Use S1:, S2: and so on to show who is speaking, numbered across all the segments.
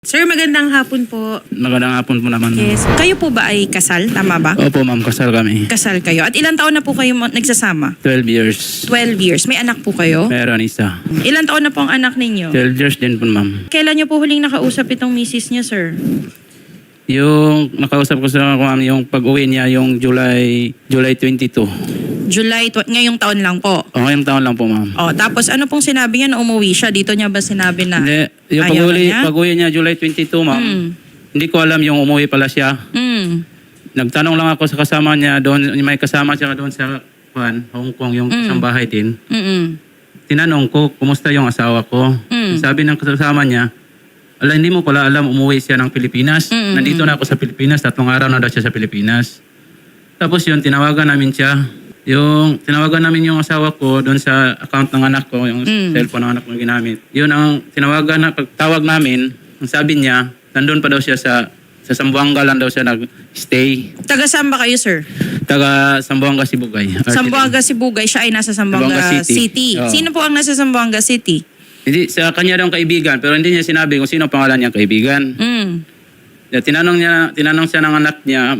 S1: Sir, magandang hapon po.
S2: Magandang hapon po naman.
S1: Yes. Kayo po ba ay kasal? Tama ba?
S2: Opo ma'am, kasal kami.
S1: Kasal kayo. At ilang taon na po kayo nagsasama?
S2: 12 years.
S1: 12 years. May anak po kayo?
S2: Meron isa.
S1: Ilang taon na po ang anak ninyo?
S2: 12 years din po ma'am.
S1: Kailan niyo po huling nakausap itong misis niya, sir?
S2: Yung nakausap ko sa ma'am, yung pag-uwi niya yung July 22.
S1: Ngayong taon lang po.
S2: O ngayong taon lang po ma'am.
S1: O, tapos ano pong sinabi niya na umuwi siya? Dito niya ba sinabi na
S2: Hindi, yung
S1: ayaw na niya?
S2: pag-uwi niya July 22 ma'am, hindi ko alam yung umuwi pala siya.
S1: Mm.
S2: Nagtanong lang ako sa kasama niya doon, may kasama siya doon sa Hong Kong, yung isang bahay din.
S1: Mm-mm.
S2: Tinanong ko, kumusta yung asawa ko? Sabi ng kasama niya, hindi mo pala alam, umuwi siya ng Pilipinas. Nandito na ako sa Pilipinas, 3 araw na daw siya sa Pilipinas. Tapos yun, tinawagan namin siya. Tinawagan namin yung asawa ko doon sa account ng anak ko, yung cellphone ng anak ko ginamit. Yun ang pagtawag namin, ang sabi niya, nandun pa daw siya sa Zamboanga lang daw siya nag-stay.
S1: Taga saan ba kayo, sir?
S2: Taga Zamboanga, Sibugay.
S1: Zamboanga, Sibugay. Siya ay nasa Zamboanga
S2: Zamboanga
S1: City.
S2: City. Oo.
S1: Sino po ang nasa Zamboanga City?
S2: Hindi, sa kanya daw kaibigan, pero hindi niya sinabi kung sino ang pangalan niyang kaibigan.
S1: Mm.
S2: Tinanong siya ng anak niya,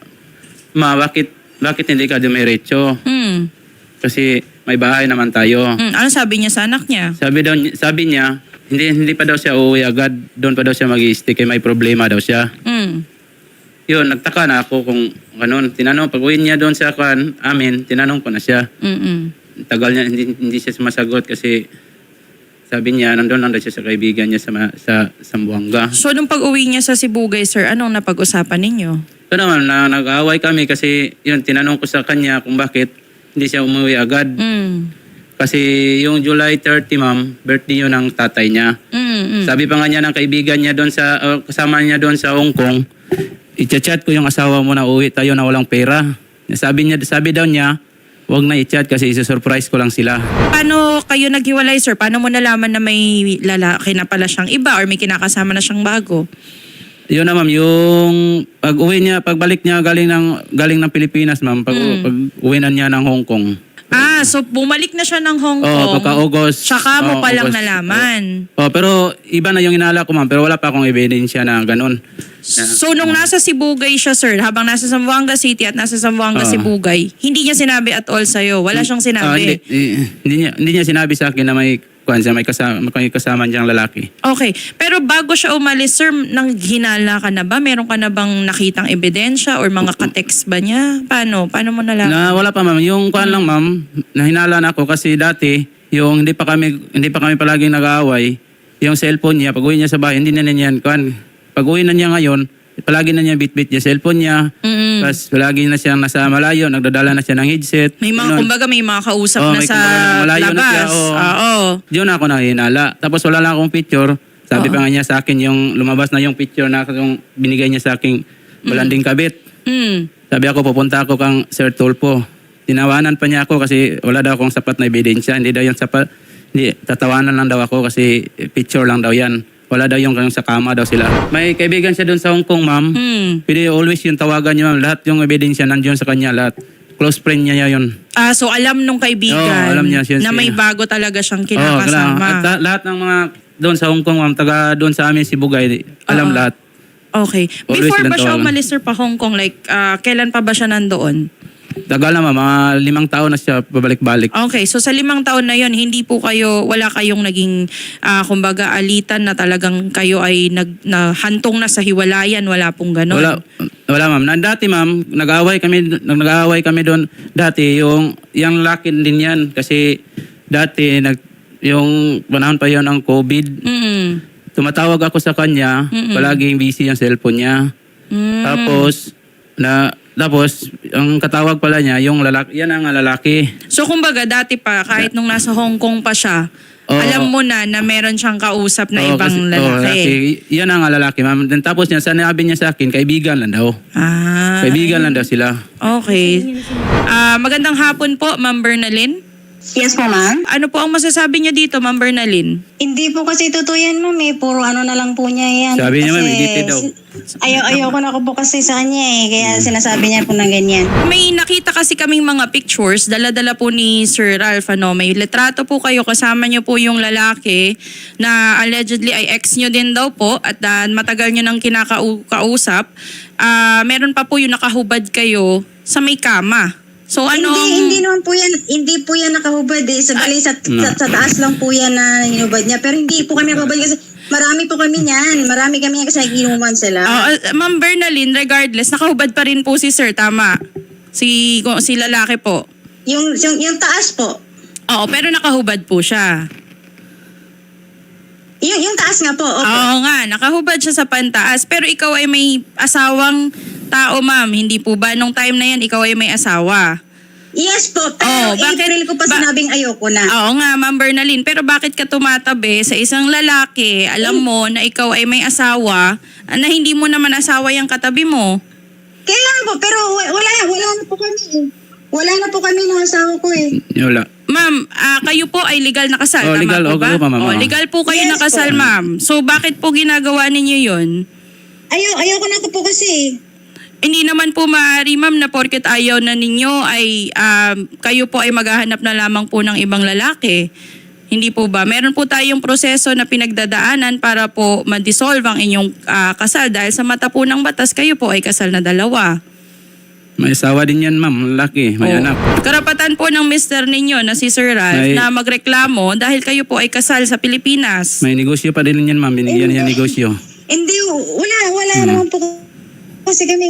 S2: bakit hindi ka dumiretso?
S1: Mm.
S2: Kasi may bahay naman tayo.
S1: Ano sabi niya sa anak niya?
S2: Sabi niya, hindi pa daw siya uuwi agad. Doon pa daw siya mag-i-stay kaya may problema daw siya.
S1: Mm.
S2: Yun, nagtaka na ako kung ganun. Tinanong, pag-uwi niya doon sa amin, tinanong ko na siya.
S1: Mm-mm.
S2: Tagal niya, hindi siya sumasagot kasi sabi niya, nandun lang daw siya sa kaibigan niya sa Zamboanga.
S1: So, nung pag-uwi niya sa Sibugay, sir, anong napag-usapan ninyo?
S2: So naman, nag-aaway kami kasi yun, tinanong ko sa kanya kung bakit hindi siya umuwi agad.
S1: Mm.
S2: Kasi yung July 30, ma'am, birthday yun ng tatay niya. Sabi pa nga niya ng kaibigan niya doon kasama niya doon sa Hong Kong, i-chat ko yung asawa mo na uwi tayo na walang pera. Sabi daw niya, wag na i-chat kasi isa-surprise ko lang sila.
S1: Paano kayo naghiwalay, sir? Paano mo nalaman na may lalaki na pala siyang iba or may kinakasama na siyang bago?
S2: Yun na ma'am, yung pagbalik niya galing ng Pilipinas ma'am, pag-uwi na niya ng Hong Kong.
S1: So bumalik na siya ng Hong Kong.
S2: Pagka-August.
S1: Tsaka mo palang
S2: August.
S1: nalaman.
S2: Pero iba na yung inala ko ma'am, pero wala pa akong ebidensya na ganun.
S1: So nung nasa Sibugay siya, sir, habang nasa Zamboanga City at nasa Zamboanga Sibugay, hindi niya sinabi at all sa'yo? Wala siyang sinabi?
S2: Hindi niya sinabi sa akin na may kasama niyang lalaki.
S1: Okay. Pero bago siya umalis, sir, nang hinala ka na ba? Meron ka na bang nakitang ebidensya or mga ka-text ba niya? Paano? Paano mo nalaman?
S2: Wala pa ma'am. Yung kuan lang ma'am, nahinala na ako kasi dati, yung hindi pa kami palaging nag-aaway, yung cellphone niya, pag-uwi niya sa bahay, hindi na niya kuan. Pag-uwi na niya ngayon, palagi na niya bit-bit niya cellphone niya. Tapos palagi na siyang nasa malayo, nagdadala na siya ng headset.
S1: May mga, kumbaga may mga kausap na sa
S2: malayo
S1: labas.
S2: na siya. Diyon ako nahinala. Tapos wala lang akong picture. Sabi pa nga niya sa akin, yung lumabas na yung picture na yung binigay niya sa aking balanding kabit. Sabi ako, pupunta ako kang Sir Tulfo. Tinawanan pa niya ako kasi wala daw akong sapat na ebidensya. Hindi daw yung sapat. Hindi, tatawanan lang daw ako kasi picture lang daw yan. Wala daw yung sa kama daw sila. May kaibigan siya doon sa Hong Kong, ma'am. Pwede always yung tawagan niya, ma'am. Lahat yung ebidensya nandiyon sa kanya, lahat. Close friend niya yun.
S1: So alam nung kaibigan
S2: alam niya,
S1: na may bago talaga siyang kinakasama.
S2: At lahat ng mga doon sa Hong Kong, ma'am, taga doon sa amin, Sibugay, alam lahat.
S1: Okay.
S2: Always
S1: Before ba
S2: silang
S1: siya
S2: tawagan.
S1: umalis, sir, pa Hong Kong? Like, kailan pa ba siya nandoon?
S2: Tagal na, ma'am. Mga 5 taon na siya pabalik-balik.
S1: Okay, so sa 5 taon na yon, wala kayong naging, kumbaga, alitan na talagang kayo ay hantong na sa hiwalayan, wala pong ganon.
S2: Wala, ma'am. Dati, ma'am, nag-aaway kami doon. Dati, yung laki din yan. Kasi dati, yung panahon pa yon ng COVID, tumatawag ako sa kanya, palaging busy yung cellphone niya. Tapos, ang katawag pala niya, yung lalaki, yan ang lalaki.
S1: So kumbaga dati pa, kahit nung nasa Hong Kong pa siya, alam mo na meron siyang kausap na ibang lalaki.
S2: Yan ang lalaki, ma'am. Then, tapos niya, sinabi niya sa akin, kaibigan lang daw. Kaibigan lang daw sila.
S1: Okay. Magandang hapon po, Ma'am Bernalyn.
S3: Yes po, ma'am.
S1: Ano po ang masasabi niyo dito, Ma'am Bernalyn?
S3: Hindi po kasi totoo yan, ma'am. Puro ano na lang po niya yan.
S2: Sabi niya, ma'am,
S3: Kasi
S2: edited daw.
S3: Ayoko na ko po kasi sa kanya kaya sinasabi niya po ng ganyan.
S1: May nakita kasi kaming mga pictures, dala-dala po ni Sir Ralph, may litrato po kayo, kasama niyo po yung lalaki na allegedly ay ex niyo din daw po at matagal niyo nang kinakausap. Meron pa po yung nakahubad kayo sa may kama. So ano
S3: Hindi naman po yan, hindi po yan nakahubad sa taas lang po yan na hinubad niya. Pero hindi po kami nakahubad kasi marami po kami niyan. Marami kami yan kasi naginuman sila.
S1: Ma'am Bernalyn, regardless, nakahubad pa rin po si Sir, tama? Si lalaki po.
S3: Yung taas po.
S1: Oo, pero nakahubad po siya.
S3: Yung taas nga po. Opo.
S1: Oo nga, nakahubad siya sa pantaas. Pero ikaw ay may asawang tao, ma'am. Hindi po ba? Nung time na yan, ikaw ay may asawa.
S3: Yes po, pero April ko pa sinabing ayoko na.
S1: Oo nga, Ma'am Bernalyn. Pero bakit ka tumatabi sa isang lalaki, alam mo na ikaw ay may asawa, na hindi mo naman asawa yung katabi mo?
S3: Kaya po, pero wala na po kami. Wala na po kami ng asawa ko
S2: Wala.
S1: Ma'am, kayo po ay legal na kasal, tama
S2: legal,
S1: po ba?
S2: okay po, ma'am.
S1: Legal po kayo
S3: Yes
S1: nakasal,
S3: po.
S1: ma'am. So bakit po ginagawa ninyo yun?
S3: Ayoko na po kasi.
S1: Hindi naman po maaari, ma'am, na porket ayaw na ninyo ay kayo po ay maghahanap na lamang po ng ibang lalaki. Hindi po ba? Meron po tayong proseso na pinagdadaanan para po ma-dissolve ang inyong kasal dahil sa mata po ng batas kayo po ay kasal na dalawa.
S2: May asawa din yan, ma'am. Lalaki. May anak.
S1: Karapatan po ng mister ninyo na si Sir Ralph na magreklamo dahil kayo po ay kasal sa Pilipinas.
S2: May negosyo pa din yan, ma'am. Binigyan niya negosyo.
S3: Hindi, wala naman po kasi kami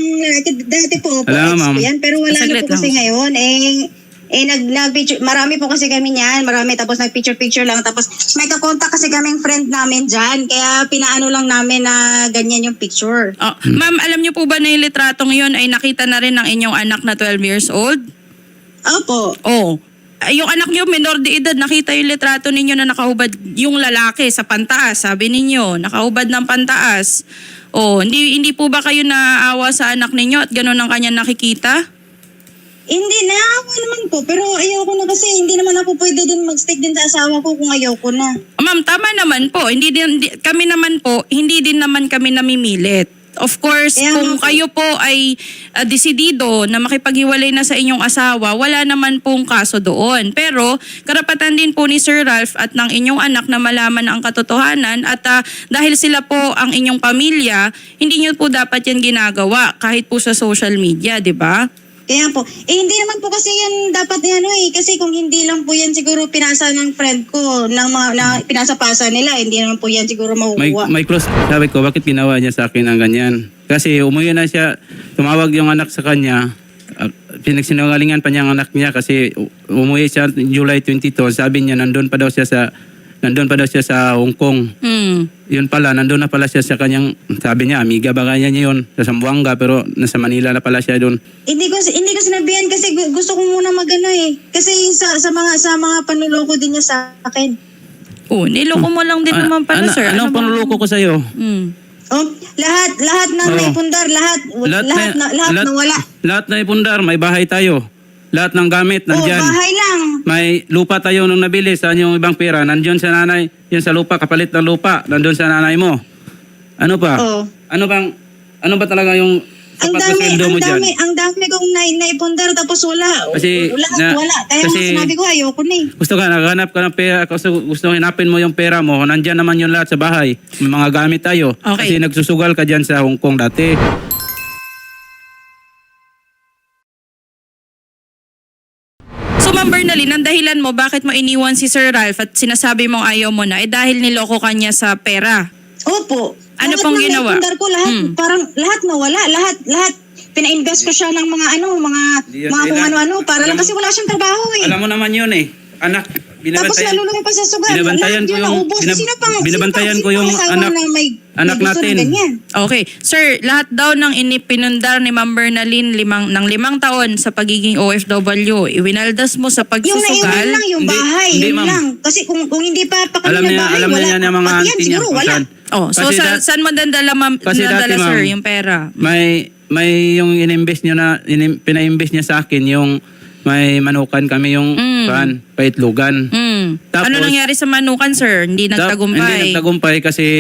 S3: dati po,
S2: Alam, ma'am.
S3: yan, pero wala na
S1: Saglit
S3: po kasi
S1: lang.
S3: ngayon, nag-picture, marami po kasi kami niyan, tapos nag-picture lang, tapos may kakontak kasi kaming friend namin dyan, kaya pinaano lang namin na ganyan yung picture.
S1: Ma'am, alam niyo po ba na yung litratong yun ay nakita na rin ng inyong anak na 12 years old?
S3: Opo.
S1: Oh. Yung anak niyo, minor de edad, nakita yung litrato ninyo na nakahubad yung lalaki sa pantaas, sabi ninyo, nakahubad ng pantaas. Oh, hindi po ba kayo naawa sa anak ninyo at gano'n ang kanya nakikita?
S3: Hindi, naawa naman po, pero ayoko na kasi, hindi naman ako pwede din mag-stick din sa asawa ko kung ayoko na.
S1: Ma'am, tama naman po. Kami naman po, hindi din naman kami namimilit. Of course,
S3: Kaya
S1: kung
S3: nga po.
S1: kayo po ay desidido na makipaghiwalay na sa inyong asawa, wala naman pong kaso doon. Pero karapatan din po ni Sir Ralph at ng inyong anak na malaman ang katotohanan at dahil sila po ang inyong pamilya, hindi niyo po dapat yan ginagawa kahit po sa social media, di ba?
S3: Kaya po, hindi naman po kasi yan dapat kasi kung hindi lang po yan siguro pinasa ng friend ko, na pinasa-pasa nila, hindi naman po yan siguro makukuha.
S2: May cross. Sabi ko, bakit ginawa niya sa akin ang ganyan? Kasi umuwi na siya, tumawag yung anak sa kanya, pinagsinungalingan pa niya ang anak niya kasi umuwi siya July 22, sabi niya nandun pa daw siya sa Hong Kong. Yun pala, nandun na pala siya sa kanyang, sabi niya, amiga ba kanya niya yun, sa Zamboanga, pero nasa Manila na pala siya doon.
S3: Hindi ko sinabihan kasi gusto ko muna Kasi sa mga panuloko din niya sa akin.
S1: Oh, niloko mo lang din naman pala, sir.
S2: Anong
S1: bang-
S2: panuloko ko sa'yo?
S3: Oh, lahat na may pundar, lahat na wala.
S2: Lahat na ipundar, may bahay tayo. Lahat ng gamit, nandyan.
S3: Bahay lang.
S2: May lupa tayo nung nabili, saan yung ibang pera? Nandyan sa nanay, yun sa lupa, kapalit ng lupa, nandun sa nanay mo. Ano pa?
S3: Oo.
S2: Ano ba talaga yung sapat na sweldo mo dyan?
S3: Ang dami kong naipundar tapos wala.
S2: Kasi,
S3: Wala. Kaya sinabi ko ayoko na
S2: Gusto ka, naghanap ka ng pera, gusto hinapin mo yung pera mo, nandyan naman yung lahat sa bahay. May mga gamit tayo.
S1: Okay.
S2: Kasi nagsusugal ka dyan sa Hong Kong dati.
S1: So, Ma'am Bernalyn, ang dahilan mo bakit mo iniwan si Sir Ralph at sinasabi mong ayaw mo na dahil niloko ka niya sa pera.
S3: Opo.
S1: Ano
S3: Lahat
S1: pong
S3: ng
S1: ginawa?
S3: naipundar ko, parang lahat nawala. Lahat. Pina-invest ko siya ng mga kung ano-ano para lang kasi wala siyang trabaho
S2: Alam mo naman yun anak,
S3: Tapos nalulungan pa sa sugal.
S2: Binabantayan ko yung binabantayan ko yung anak natin.
S1: Okay. Sir, lahat daw ng pinundar ni Ma'am Bernalyn ng 5 taon sa pagiging OFW, iwinaldas mo sa
S3: Yung
S1: pagsusugal.
S3: naiwan lang yung
S2: Hindi,
S3: bahay,
S2: hindi,
S3: yun
S2: ma'am.
S3: lang. Kasi kung hindi pa kami
S2: Alam
S3: ng
S2: niya,
S3: bahay,
S2: alam
S3: wala.
S2: niya yung mga
S3: Pati yan,
S2: auntie niya
S3: siguro,
S2: kung
S3: wala.
S2: saan.
S1: Oh, so saan mo dandala,
S2: Kasi dati,
S1: sir,
S2: ma'am,
S1: yung pera?
S2: May yung ininvest niya pina-invest niya sa akin yung may manukan kami yung paitlugan.
S1: Ano
S2: Tapos,
S1: nangyari sa manukan, sir? Hindi
S2: Hindi
S1: nagtagumpay.
S2: nagtagumpay kasi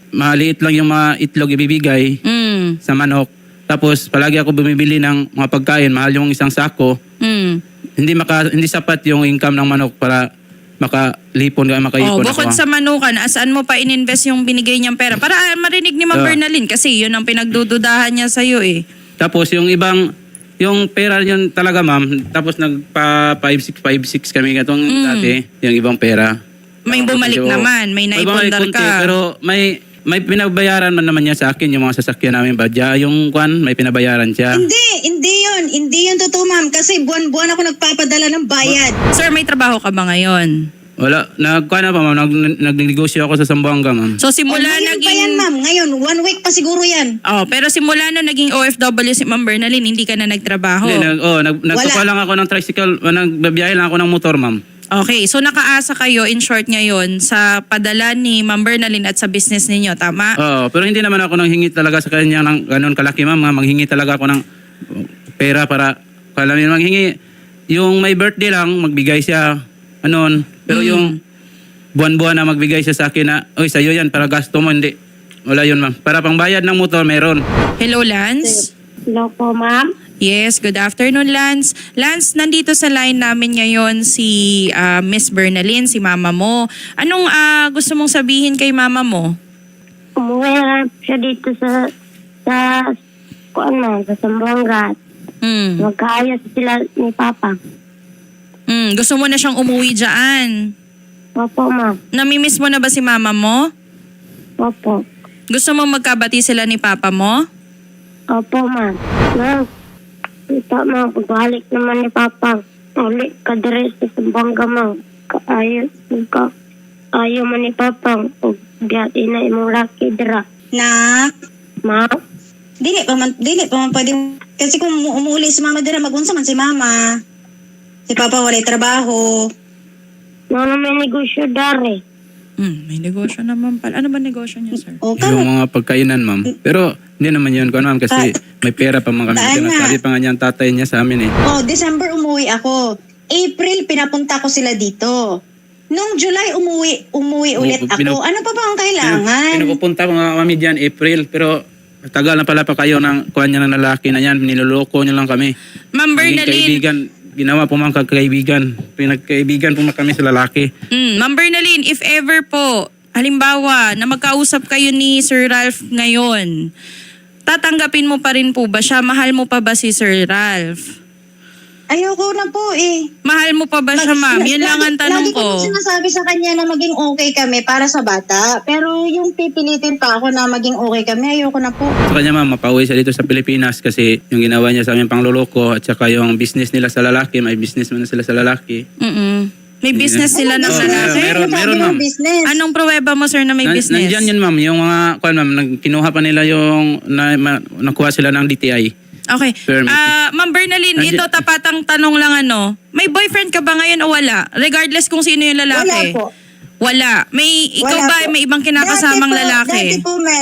S2: maliit lang yung mga itlog ibibigay sa manok. Tapos palagi ako bumibili ng mga pagkain, mahal yung isang sako. Hindi sapat yung income ng manok para makaipon
S1: Bukod
S2: ako.
S1: sa manukan, saan mo pa ininvest yung binigay niyang pera? Para marinig ni Ma'am Bernalyn kasi yun ang pinagdududahan niya sa'yo eh.
S2: Tapos yung pera yun talaga ma'am, tapos nagpa 5-6 kami katong dati, yung ibang pera.
S1: May bumalik naman, may naipundar
S2: konti,
S1: ka.
S2: pero may pinabayaran man naman niya sa akin yung mga sasakyan namin badya. Yung may pinabayaran siya.
S3: Hindi yun totoo, ma'am. Kasi buwan-buwan ako nagpapadala ng bayad.
S1: Sir, may trabaho ka ba ngayon?
S2: Wala, nagkuhan na pa ma'am, nagnegosyo ako sa Zamboanga ma'am.
S1: So simula
S3: Ngayon pa yan, ma'am. Ngayon, 1 week pa siguro yan.
S1: Pero simula na naging OFW si Ma'am Bernalyn, hindi ka na nagtrabaho.
S2: Nagkuha lang ako ng tricycle, nagbabiyahe lang ako ng motor ma'am.
S1: Okay, so nakaasa kayo in short ngayon sa padala ni Ma'am Bernalyn at sa business ninyo, tama?
S2: Oo, pero hindi naman ako nanghingi talaga sa kanya ng ganun kalaki ma'am. Manghingi talaga ako ng pera para manghingi. Yung may birthday lang, magbigay siya. Pero yung buwan-buwan na magbigay siya sa akin na, oy, sa'yo yan, para gasto mo, hindi. Wala yun ma'am. Para pangbayad ng motor, meron.
S1: Hello, Lance?
S4: Hello po, ma'am.
S1: Yes, good afternoon, Lance. Lance, nandito sa line namin ngayon si Miss Bernalyn, si mama mo. Anong gusto mong sabihin kay mama mo?
S4: Umuwi na siya dito sa Zamboanga. Magkaayos sila ni Papa.
S1: Gusto mo na siyang umuwi dyan?
S4: Opo, ma'am.
S1: Namimiss mo na ba si mama mo?
S4: Opo.
S1: Gusto mo magkabati sila ni papa mo?
S4: Opo, ma'am. Ma'am, ito, ma'am, pagbalik naman ni Papa. Ulit ka dire sa Zamboanga, ma'am. Ayaw man ni Papa. Gati na imong laki dira.
S3: Nak,
S4: Ma'am?
S3: dili pa man pwede. Kasi kung umuuli si mama dira, magunsa man si mama. Si Papa walay trabaho.
S4: Ma'am, may negosyo dari.
S1: May negosyo naman pala. Ano ba negosyo niya, sir?
S3: O,
S2: Yung mga pagkainan ma'am. Pero hindi naman yun ko ma'am kasi may pera pa man kami.
S3: Daan na.
S2: Sabi pa nga niya ang tatay niya sa amin eh.
S3: December umuwi ako. April, pinapunta ko sila dito. Nung July, umuwi ulit ako. Ano pa ba ang kailangan?
S2: Pinupunta ko nga kami dyan April pero tagal na pala pa kayo ng kuha niya ng lalaki na yan. Niloloko niyo lang kami.
S1: Ma'am
S2: Naging
S1: Bernalyn.
S2: kaibigan. Ginawa po mga kaibigan. Pinagkaibigan po kami sa lalaki.
S1: Ma'am Bernalyn, if ever po, halimbawa, na magkausap kayo ni Sir Ralph ngayon, tatanggapin mo pa rin po ba siya? Mahal mo pa ba si Sir Ralph?
S3: Ayoko na po eh.
S1: Mahal mo pa ba siya, ma'am? Yun lang ang tanong
S3: Lagi ko
S1: ko.
S3: po sinasabi sa kanya na maging okay kami para sa bata. Pero yung pipilitin pa ako na maging okay kami, ayoko na po.
S2: Sa kanya ma'am, mapauwi siya dito sa Pilipinas kasi yung ginawa niya sa aming pangloloko at saka yung business nila sa lalaki, may business man na sila sa lalaki.
S1: May business sila ng
S2: business?
S1: lalaki?
S2: Meron, ma'am.
S3: Business.
S1: Anong pruweba mo, sir, na may business?
S2: Nandyan yun ma'am, yung mga, kinuha pa nila yung, nakuha sila ng DTI.
S1: Okay.
S2: Permit.
S1: Ma'am Bernalyn, ito tapatang tanong lang may boyfriend ka ba ngayon o wala? Regardless kung sino yung lalaki.
S3: Wala po.
S1: Wala. Ikaw
S3: Wala
S1: ba
S3: po.
S1: may ibang kinakasamang lalaki?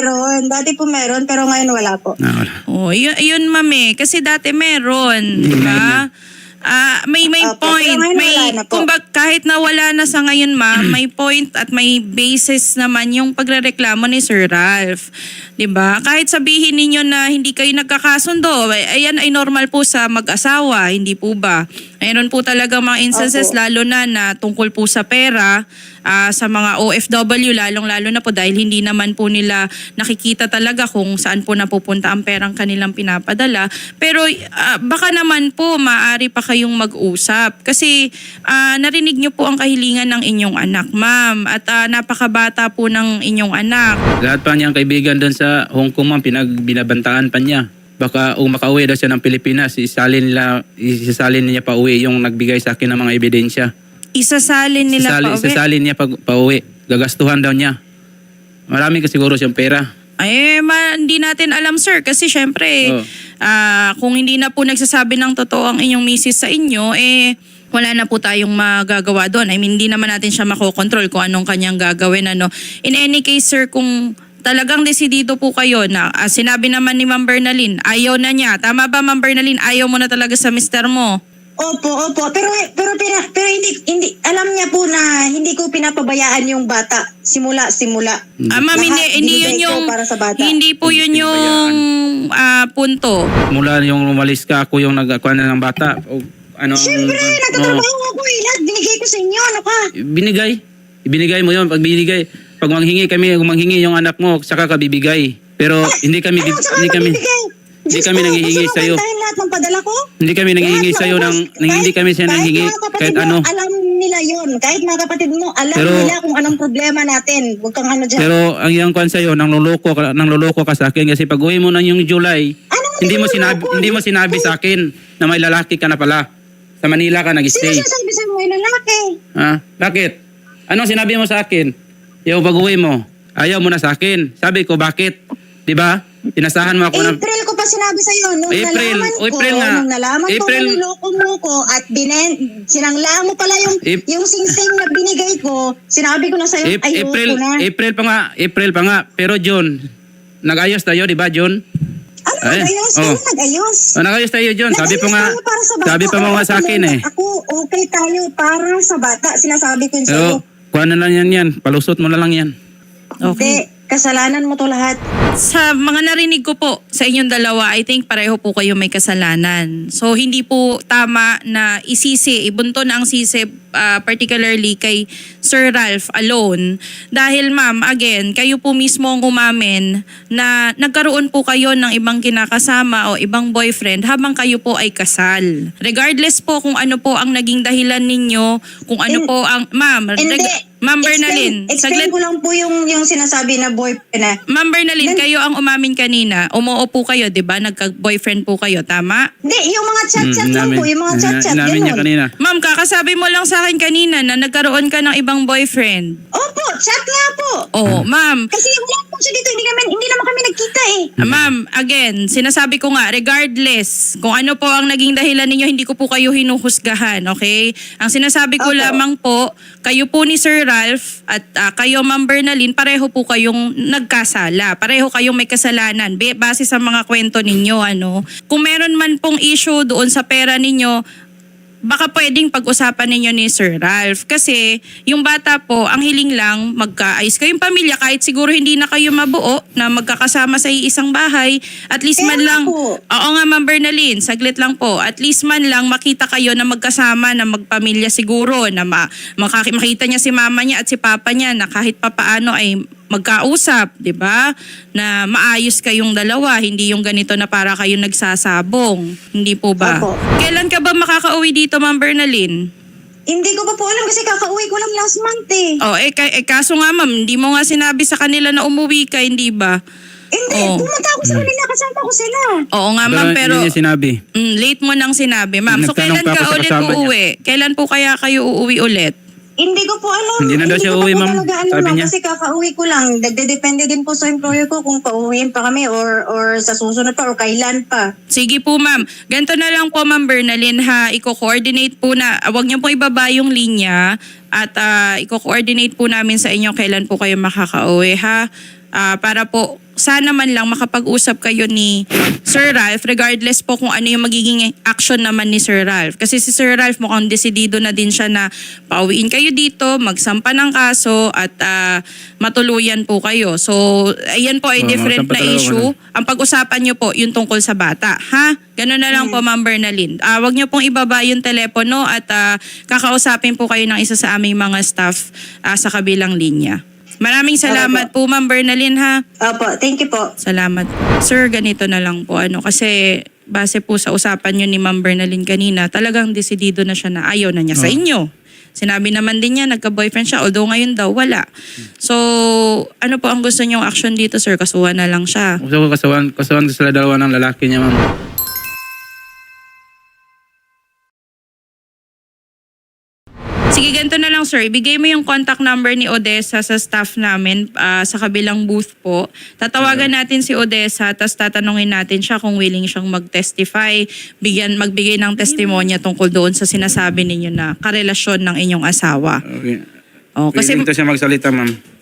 S3: Dati po meron, pero ngayon wala po.
S2: Wala.
S1: Oh, yun ma'am eh. Kasi dati meron, di ba? May
S3: Opo,
S1: point,
S3: pero ngayon wala na po.
S1: kumbaga kahit na wala na sa ngayon ma'am, may point at may basis naman yung pagrereklamo ni Sir Ralph. 'Di ba? Kahit sabihin ninyo na hindi kayo nagkakasundo, ayan ay normal po sa mag-asawa, hindi po ba? Mayroon po talaga mga instances
S3: Opo.
S1: lalo na tungkol po sa pera, sa mga OFW lalong-lalo na po dahil hindi naman po nila nakikita talaga kung saan po napupunta ang perang kanilang pinapadala. Pero baka naman po maaari pa kayong mag-usap kasi narinig niyo po ang kahilingan ng inyong anak, ma'am, at napakabata po ng inyong anak.
S2: Lahat pa niyang kaibigan doon sa Hong Kong ma'am, binabantaan pa niya. Baka makauwi daw siya ng Pilipinas, isasalin niya pa uwi yung nagbigay sa akin ng mga ebidensya.
S1: Isasalin nila pa uwi?
S2: Isasalin niya pa uwi. Gagastuhan daw niya. Marami ka siguro siyang pera.
S1: Ay, hindi natin alam, sir. Kasi syempre, kung hindi na po nagsasabi ng totoo ang inyong misis sa inyo, wala na po tayong magagawa doon. I mean, hindi naman natin siya makokontrol kung anong kanyang gagawin. In any case, sir, kung talagang desidido po kayo na sinabi naman ni Ma'am Bernalyn, ayaw na niya. Tama ba, Ma'am Bernalyn? Ayaw mo na talaga sa mister mo?
S3: Opo. Pero hindi alam niya po na hindi ko pinapabayaan yung bata simula.
S1: Ma'am,
S3: Lahat
S1: hindi yun
S3: binigay ko
S1: yung
S3: para sa bata.
S1: hindi po yun yung punto.
S2: Mula yung umalis ka, ako yung nagkuha na ng bata. O, ano,
S3: Siyempre, nagtatrabaho ako eh. Lahat binigay ko sa inyo. Ano ka?
S2: Ibinigay mo yun. Pag manghingi kami, manghingi yung anak mo, saka ka bibigay. Pero hindi kami nanghihingi sa iyo.
S3: Lahat ng padala ko?
S2: Hindi kami nanghihingi sa iyo hindi kami siya nanghihingi kahit ano.
S3: Alam nila yon. Kahit mga kapatid mo, alam
S2: Pero-
S3: nila kung anong problema natin. Huwag kang ano dyan.
S2: Pero ang iyang kwan sa iyo, nang loloko ka sa akin kasi pag uwi mo na yung July,
S3: Anong
S2: hindi mo sinabi sa akin na may lalaki ka na pala. Sa Manila ka
S3: Sino
S2: nag-stay.
S3: sasabi sa mga lalaki?
S2: Ha? Bakit? Anong sinabi mo sa akin? Yung pag-uwi mo, ayaw mo na sa akin. Sabi ko, bakit? 'Di ba? Tinasahan mo ako ng
S3: April ko pa sinabi sa iyo nung
S2: April
S3: nalaman ko
S2: April.
S3: niloko mo ko at sinangla mo pala
S2: Ap-
S3: yung singsing na binigay ko. Sinabi ko na sa iyo, ayoko na.
S2: April pa nga. Pero June, nag-ayos tayo, 'di ba, June?
S3: Ano
S2: Ay,
S3: nag-ayos?
S2: oh.
S3: Ano nag-ayos?
S2: Nag-ayos tayo, June. Sabi
S3: Nag-ayos
S2: pa nga,
S3: tayo para sa bata.
S2: sabi pa mo nga sa akin eh.
S3: Ako, okay tayo para sa bata. Sinasabi ko yun sa iyo.
S2: Pero, kuha na lang yan. Palusot mo na lang yan.
S3: Hindi, kasalanan mo to lahat.
S1: Sa mga narinig ko po sa inyong dalawa, I think pareho po kayo may kasalanan. So hindi po tama na ibunto na ang sisi particularly kay Sir Ralph alone. Dahil ma'am, again, kayo po mismo ang umamin na nagkaroon po kayo ng ibang kinakasama o ibang boyfriend habang kayo po ay kasal. Regardless po kung ano po ang naging dahilan ninyo, kung ano po ang... Ma'am, Ma'am Bernalyn,
S3: Explain ko lang po yung sinasabi na boyfriend na.
S1: Ma'am Bernalyn, kayo ang umamin kanina. Umuo po kayo, di ba? Nagka-boyfriend po kayo, tama?
S3: Hindi, yung mga chat-chat lang po. Yung mga chat-chat,
S2: Namin niya
S3: gano'n.
S2: kanina.
S1: Ma'am, kakasabi mo lang sa akin kanina na nagkaroon ka ng ibang boyfriend.
S3: Opo, chat nga po.
S1: Oo, ma'am.
S3: Kasi wala po siya dito. Hindi naman kami nagkita eh.
S1: Ma'am, again, sinasabi ko nga, regardless kung ano po ang naging dahilan ninyo, hindi ko po kayo hinuhusgahan, okay? Ang sinasabi ko
S3: Opo.
S1: lamang po, kayo po ni Sir Ralph at kayo, Ma'am Bernalyn, pareho po kayong nagkasala. Pareho kayong may kasalanan. Base sa mga kwento ninyo, ano? Kung meron man pong issue doon sa pera ninyo, baka pwedeng pag-usapan ninyo ni Sir Ralph. Kasi yung bata po, ang hiling lang magkaayos kayong pamilya kahit siguro hindi na kayo mabuo na magkakasama sa isang bahay. At least man
S3: Kaya
S1: lang,
S3: po.
S1: oo nga Ma'am Bernalyn, saglit lang po. At least man lang makita kayo na magkasama, na magpamilya siguro, na makita niya si mama niya at si papa niya na kahit papaano ay magkausap, 'di ba? Na maayos kayong dalawa, hindi yung ganito na para kayo nagsasabong. Hindi po ba?
S3: Opo.
S1: Kailan ka ba makakauwi dito, Ma'am Bernalyn?
S3: Hindi ko pa po alam kasi kakauwi ko lang last month eh.
S1: Oh, kaso nga ma'am, hindi mo nga sinabi sa kanila na umuwi ka, hindi ba?
S3: Hindi,
S1: Oh.
S3: pumunta ako sa kanila, kasama ko sila.
S1: Oo nga ma'am, pero
S2: Hindi niya sinabi.
S1: late mo nang sinabi, ma'am. So
S2: Nagtanong
S1: kailan
S2: pa ako
S1: ka
S2: sa
S1: ulit
S2: kasama niya.
S1: uuwi? Kailan po kaya kayo uuwi ulit?
S3: Hindi ko po alam.
S2: Hindi na daw siya
S3: ko pa
S2: uuwi,
S3: po
S2: ma'am.
S3: talaga alam,
S2: Sabi
S3: ma'am,
S2: niya.
S3: kasi kakauwi ko lang. Nagdedepende din po sa employer ko kung pauwiin pa kami or sa susunod pa or kailan pa.
S1: Sige po ma'am. Ganito na lang po Ma'am Bernalyn ha. Iko-coordinate po na, wag niyo po ibaba yung linya at iko-coordinate po namin sa inyo kailan po kayo makakauwi ha. Para po sana man lang makapag-usap kayo ni Sir Ralph regardless po kung ano yung magiging action naman ni Sir Ralph. Kasi si Sir Ralph mukhang desidido na din siya na pauwiin kayo dito, magsampa ng kaso at matuluyan po kayo. So, ayan po ay
S2: Oo,
S1: different
S2: magsampa
S1: na
S2: talaga
S1: issue. Ang pag-usapan nyo po yung tungkol sa bata. Ha? Ganun na lang po Ma'am Bernalyn. Wag nyo pong ibaba yung telepono at kakausapin po kayo ng isa sa aming mga staff sa kabilang linya. Maraming salamat po Ma'am Bernalyn ha.
S3: Opo, thank you po.
S1: Salamat. Sir, ganito na lang po. Kasi base po sa usapan nyo ni Ma'am Bernalyn kanina, talagang desidido na siya na ayaw na niya sa inyo. Sinabi naman din niya, nagka-boyfriend siya, although ngayon daw, wala. So, ano po ang gusto niyong action dito, sir? Kasuhan na lang siya.
S2: Gusto ko kasuhan sila dalawa ng lalaki niya, ma'am.
S1: Sige, ganito na lang sir. Ibigay mo yung contact number ni Odessa sa staff namin sa kabilang booth po. Tatawagan natin si Odessa tapos tatanungin natin siya kung willing siyang mag-testify, magbigay ng testimonya tungkol doon sa sinasabi ninyo na karelasyon ng inyong asawa.
S2: Okay.
S1: Oh, kasi
S2: Kasi siya magsalita, ma'am.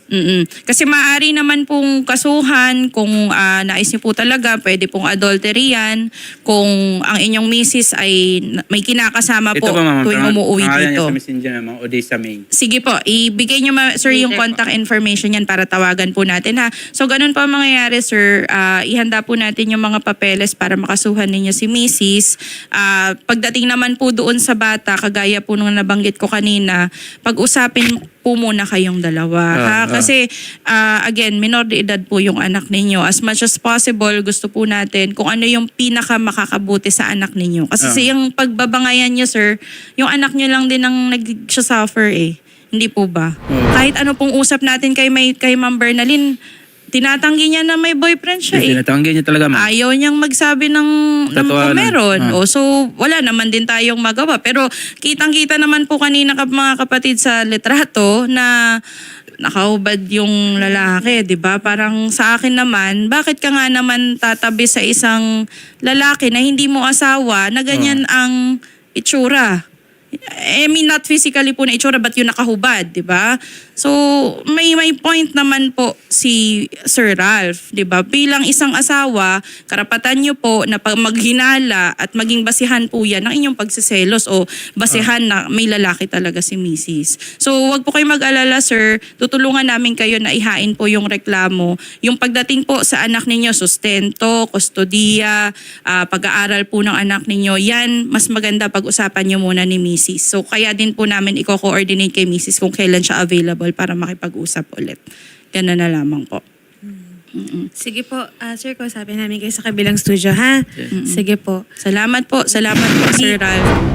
S1: Kasi maaari naman pong kasuhan kung nais niyo po talaga, pwede pong adultery yan. Kung ang inyong misis ay may kinakasama po
S2: Ito pa, ma'am.
S1: tuwing umuwi
S2: Pangalan
S1: dito.
S2: niya sa messenger, ma'am. Odessa May.
S1: Sige po, ibigay niyo sir yung contact information yan para tawagan po natin ha. So ganun po ang mangyayari sir, ihanda po natin yung mga papeles para makasuhan ninyo si Mrs. Pagdating naman po doon sa bata, kagaya po nung nabanggit ko kanina, pag-usapin po muna kayong dalawa. Ha? Kasi again, minor de edad po yung anak ninyo. As much as possible, gusto po natin kung ano yung pinaka makakabuti sa anak ninyo. Kasi yung pagbabangayan nyo sir, yung anak nyo lang din ang nag-suffer eh. Hindi po ba? Kahit ano pong usap natin kay Ma'am Bernalyn, tinatanggi niya na may boyfriend siya eh.
S2: Tinatanggi niya talaga, ma'am.
S1: Ayaw niyang magsabi ng
S2: Katotohanan.
S1: meron. So, wala naman din tayong magawa. Pero kitang-kita naman po kanina mga kapatid sa litrato na nakahubad yung lalaki, di ba? Parang sa akin naman, bakit ka nga naman tatabi sa isang lalaki na hindi mo asawa na ganyan ang itsura? I mean, not physically po na itsura, but yung nakahubad, di ba? So, may point naman po si Sir Ralph, di ba? Bilang isang asawa, karapatan niyo po na maghinala at maging basihan po yan ng inyong pagsiselos o basihan na may lalaki talaga si Mrs. So, wag po kayo mag-alala, sir. Tutulungan namin kayo na ihain po yung reklamo. Yung pagdating po sa anak ninyo, sustento, kustodiya, pag-aaral po ng anak ninyo, yan, mas maganda pag-usapan niyo muna ni Mrs. So, kaya din po namin i-coordinate kay Mrs. kung kailan siya available para makipag-usap ulit. Ganun na lamang po.
S5: Sige po, sir, kausapin namin kayo sa kabilang studio, ha? Sige po.
S1: Salamat po, Sir Ralph.